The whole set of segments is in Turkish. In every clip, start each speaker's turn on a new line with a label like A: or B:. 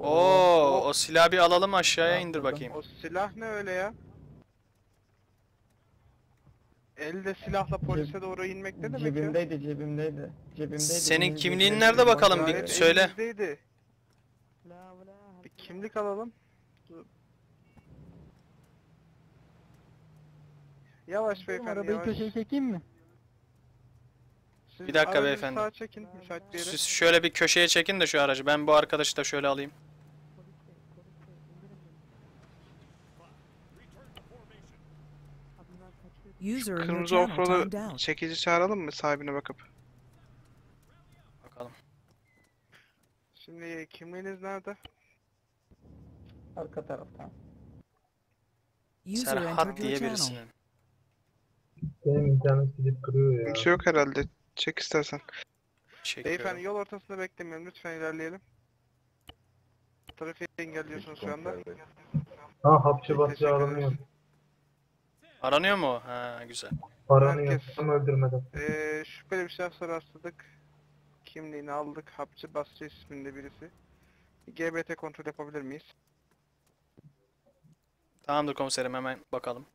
A: O silahı bir alalım, aşağıya indir bakayım.
B: O silah ne öyle ya? Elde silahla polise doğru inmek ne demek ya?
C: Cebimdeydi.
A: Senin
C: Benim
A: kimliğin
C: cebime
A: nerede
C: girdim,
A: bakalım,
C: bak
A: bir
B: Gayet
A: söyle.
B: elinizdeydi. Bir kimlik alalım. Dur. Yavaş beyefendi,
D: Arabayı
B: yavaş.
D: köşeye çekeyim mi?
B: Siz
A: Bir dakika
B: aracı
A: beyefendi.
B: sağa çekin, müsait bir yere.
A: Siz şöyle bir köşeye çekin de şu aracı. Ben bu arkadaşı da şöyle alayım.
E: User in your
B: Kırmızı
E: channel
B: offroad'u
E: timed out.
B: çekici çağıralım mı sahibine bakıp?
A: Bakalım.
B: Şimdi kimliğiniz nerede?
C: arka taraftan.
E: User entered
A: Serhat
E: your
A: diye
E: channel.
A: birisinin.
F: Benim internet gidip duruyor ya.
B: Kimse yok herhalde. Çek istersen.
A: Çekiyorum.
B: Beyefendi yol ortasında beklemeyin, lütfen ilerleyelim. Trafiği engelliyorsunuz şu anda.
F: Ha hapçı
B: Teşekkür
F: basıyor
B: ederiz.
F: aranıyor.
A: Aranıyor mu o? Ha, güzel.
F: Aranıyor.
B: Herkes-
F: Ama öldürmeden.
B: Şüpheli bir şahsa rastladık. Kimliğini aldık. Hapçı Basri isminde birisi. GBT kontrol yapabilir miyiz?
A: Tamamdır komiserim, hemen bakalım.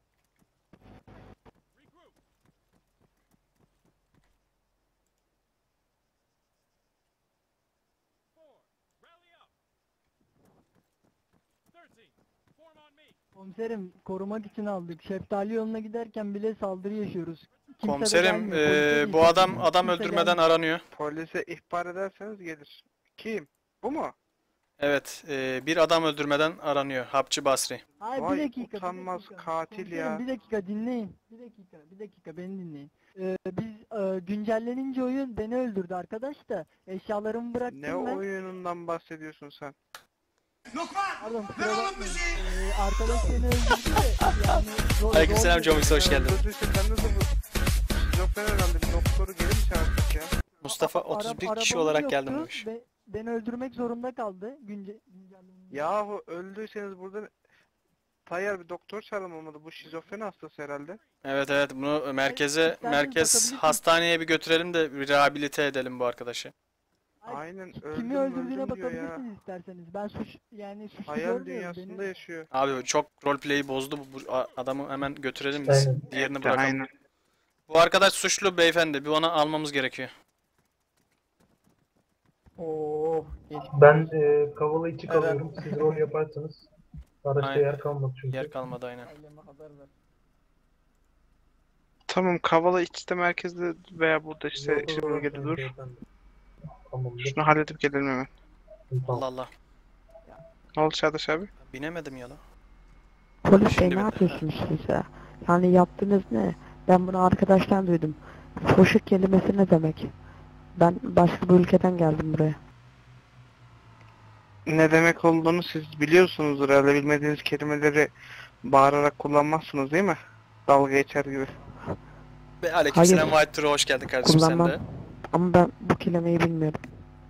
D: Komiserim korumak için aldık. Şeftali yoluna giderken bile saldırı yaşıyoruz. Kimse de
A: Komiserim,
D: gelmiyor, polise de
A: bu adam
D: yetişmiyor. Kimse
A: öldürmeden
D: gelmiyor.
A: aranıyor.
B: Polise ihbar ederseniz gelir. Kim? Bu mu?
A: Evet, bir adam öldürmeden aranıyor. Hapçı Basri.
D: Hayır,
B: Vay
D: bir dakika,
B: utanmaz
D: bir dakika.
B: katil
D: Komiserim,
B: ya.
D: bir dakika dinleyin. Bir dakika beni dinleyin. Biz güncellenince oyun beni öldürdü arkadaş da eşyalarımı bıraktım
B: Ne
D: ben.
B: oyunundan bahsediyorsun sen?
D: Pardon, kusura bakmayın. Arkadaş beni öldürdü de yani
A: Aleykümselam Comix, hoş geldin.
B: Öldürdüyse sen nasıl bu? Şizofren herhalde, bir doktoru geri mi çağırdık ya?
A: Mustafa
D: Ara-
A: 31 kişi
D: arabamız
A: olarak geldim
D: yoktu
A: demiş.
D: ve beni öldürmek zorunda kaldı güncellenince.
B: Yahu öldüyseniz burada Tayyar bir doktor çağırılmamalı. Bu şizofren hastası herhalde.
A: Evet evet, bunu merkez
D: bakabilirsiniz.
A: hastaneye bir götürelim de bir rehabilite edelim bu arkadaşı.
B: Aynen,
D: Kimi
B: öldüm
D: öldürdüğüne
B: öldüm diyor ya.
D: bakabilirsiniz isterseniz. Ben suçlu
B: Hayal
D: görmüyorum
B: dünyasında
D: beni.
B: yaşıyor.
A: Abi çok roleplay'i bozdu bu adamı, hemen götürelim biz.
F: Aynen.
A: Diğerini
B: Evet,
A: bırakalım.
B: aynen.
A: Bu arkadaş suçlu beyefendi. Bir onu almamız gerekiyor.
C: Oo, geç.
F: Ben Kavala 2 kalıyorum. Siz rol yaparsanız. Araçta
A: Aynen.
F: yer kalmadı çünkü.
A: Yer kalmadı aynen.
C: Aileme haber ver.
B: Tamam, Kavala içte merkezde veya burada işte
F: Yolda
B: şu bölgede
F: dolaşmayın
B: dur.
F: beyefendi. Tamamdır.
B: Şunu halledip gelelim hemen.
A: Allah
F: Tamam.
A: Allah.
B: Ne oldu Çağdaş abi?
A: Binemedim ya lan.
G: Polis bey
A: Şimdi
G: ne
A: bir-
G: yapıyorsunuz siz ya? Yani yaptığınız ne? Ben bunu arkadaştan duydum. Foşuk kelimesi ne demek? Ben başka bir ülkeden geldim buraya.
B: Ne demek olduğunu siz biliyorsunuzdur herhalde. Bilmediğiniz kelimeleri bağırarak kullanmazsınız değil mi? Dalga geçer gibi.
A: Ve aleykümselam
G: Hayır.
A: White Turo, hoş geldin kardeşim sen
G: Kullanmam.
A: de.
G: Ama ben bu kelimeyi bilmiyorum.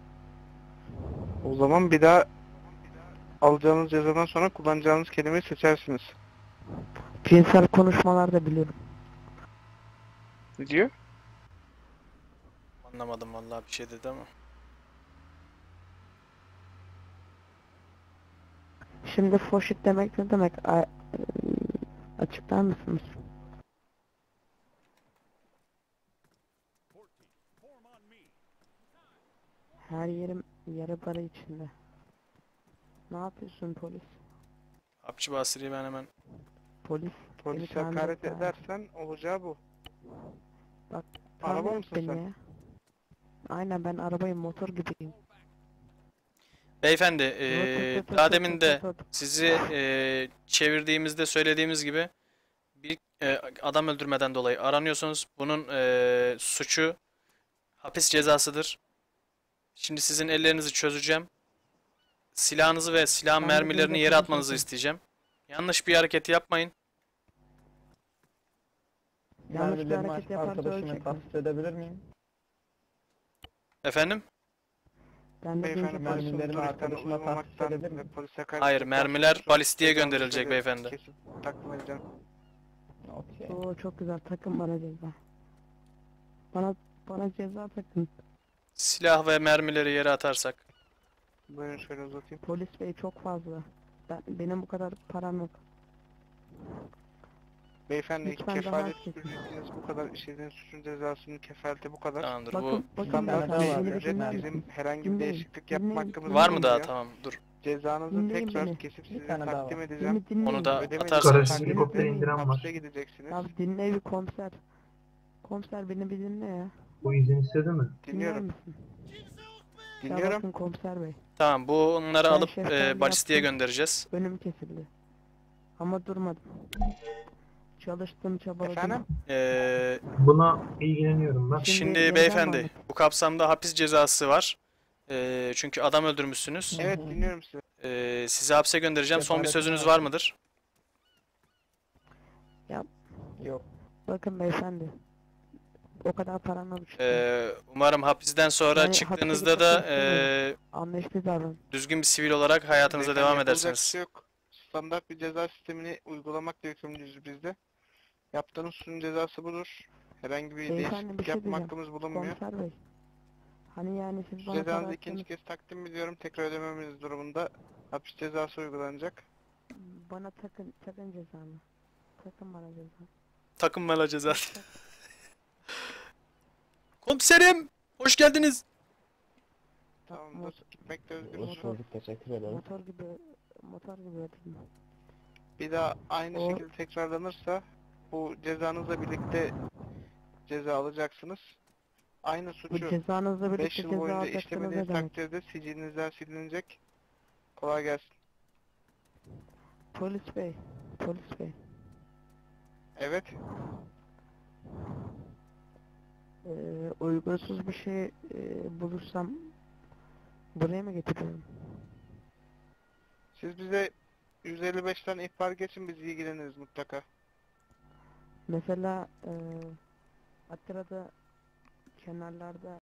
B: O zaman bir daha alacağınız cezadan sonra kullanacağınız kelimeyi seçersiniz.
G: Cinsel konuşmalar da biliyorum.
B: Ne diyor?
A: Anlamadım vallahi, bir şey dedi ama.
G: Şimdi foşuk demek ne demek? Açıklar mısınız? Her yerim yara para içinde. Ne yapıyorsun polis?
A: Hapçı Basri'yi ben hemen...
G: Polis.
B: Polis
G: tamir
B: hakaret
G: et bari.
B: edersen olacağı bu.
G: Bak,
B: Araba
G: tamir et
B: mısın
G: beni
B: sen?
G: ya. Aynen, ben arabayım, motor gibiyim.
A: Beyefendi,
G: Rot, rot,
A: daha
G: rot,
A: demin
G: rot,
A: de
G: rot, rot.
A: sizi çevirdiğimizde söylediğimiz gibi bir adam öldürmeden dolayı aranıyorsunuz. Bunun suçu hapis cezasıdır. Şimdi sizin ellerinizi çözeceğim. Silahınızı ve silah
G: Ben de
A: mermilerini
G: böyle
A: yere atmanızı
G: konuşuyorum.
A: isteyeceğim. Yanlış bir hareket yapmayın.
G: Yanlış bir
C: Mermilerimi
G: hareket yaparsa
C: arkadaşıma
G: ölecek mi?
C: tahsis edebilir miyim?
A: Efendim?
G: Ben de
B: Beyefendi
G: deyince
B: polisin
C: mermilerimi
B: duruştan
C: arkadaşıma tahsis
B: uymamaktan
C: edebilir
B: ve
C: miyim?
B: polise hakaret
A: Hayır,
B: etmekten
A: mermiler
B: suçlu
A: balistiğe
B: cezanızı
A: gönderilecek
B: kesip
A: beyefendi.
B: takdim edeceğim.
C: Okey.
G: Oo, çok güzel, takın bana ceza. Bana ceza takın.
A: Silah ve mermileri yere atarsak.
B: Buyurun şöyle uzatayım.
G: Polis bey çok fazla. Benim bu kadar param yok.
B: Beyefendi
G: Lütfen daha
B: kefalet
G: az kesin.
B: suçunuz bu kadar, işlediğiniz suçun cezasının kefaleti bu kadar.
A: Tamamdır.
G: Bakın,
A: Bu
G: bakın
B: Standart
C: tane daha
B: bir
C: var.
B: ücret,
C: Dinleyin.
B: bizim herhangi bir
G: Dinleyin.
B: değişiklik yapma
G: Dinleyin.
B: hakkımız
A: var mı daha?
B: bulunmuyor.
A: Tamam dur.
B: Cezanızı
G: Dinleyin
B: tekrar
G: beni.
B: kesip
C: Bir
B: size
C: tane daha
B: takdim
C: var.
B: edeceğim.
A: Onu da
B: Ödemediğiniz
A: atarsanız.
F: Karşı helikopter indiren var.
B: hapse gideceksiniz.
G: Abi dinle bir komiser. Komiser beni bir dinle ya.
F: Bu izin istedi mi?
G: Dinler
B: Dinliyorum.
G: misin? Ya
B: Dinliyorum.
G: bakın komiser bey.
A: Tamam bunları
G: Ben
A: alıp
G: şeftalili
A: balistiğe
G: yaptım.
A: göndereceğiz.
G: Önüm kesildi. Ama durmadım. Çalıştım, çabaladım.
B: Efendim?
F: Buna ilgileniyorum ben.
G: Şimdi
A: Şimdi
G: yeniden
A: beyefendi
G: mi?
A: bu kapsamda hapis cezası var. Çünkü adam öldürmüşsünüz.
B: Evet dinliyorum sizi.
A: Sizi hapse göndereceğim. Son bir
C: Kefaret
A: sözünüz
C: var.
A: var mıdır?
C: Yok.
G: Bakın beyefendi. O kadar param yok.
A: Umarım hapisten sonra
G: Yani
A: çıktığınızda
G: hapse
A: da
G: gitmek istemiyorum. Anlaşıldı davran.
A: düzgün bir sivil olarak hayatınıza
B: Beyefendi,
A: devam
B: yapılacak bir
A: edersiniz.
B: şey yok. Standart bir ceza sistemini uygulamakla yükümlüyüz biz de. Yaptığınız suçun cezası budur. Herhangi bir
G: Beyefendi, bir
B: değişiklik
G: şey
B: yapma
G: diyeceğim.
B: hakkımız bulunmuyor.
G: Komiser bey. Hani yani siz bana
B: Cezanızı
G: para
B: ikinci
G: attınız,
B: kez takdim ediyorum. Tekrar ödememeniz durumunda hapis cezası uygulanacak.
G: bana takın cezanı. Takın bana cezanı.
A: Takınmalı cezası. Komiserim! Hoş geldiniz.
B: Tamamdır. Gitmekte
C: Hoş
B: özgürsünüz.
C: bulduk. Teşekkür ederim.
G: Motor gibi ödedim.
B: Bir daha aynı
G: O-
B: şekilde tekrarlanırsa bu cezanızla birlikte ceza alacaksınız. Aynı
G: Bu
B: suçu
G: cezanızla
B: 5
G: birlikte
B: yıl
G: ceza
B: boyunca
G: alacaksınız ne
B: işlemediğiniz
G: demek?
B: takdirde sicilinizden silinecek. Kolay gelsin.
G: Polis bey. Polis bey.
B: Evet.
G: Uygunsuz bir şey bulursam buraya mı getiriyorum?
B: Siz bize 155'ten ihbar geçin, biz ilgileniriz mutlaka.
G: Mesela Atira'da kenarlarda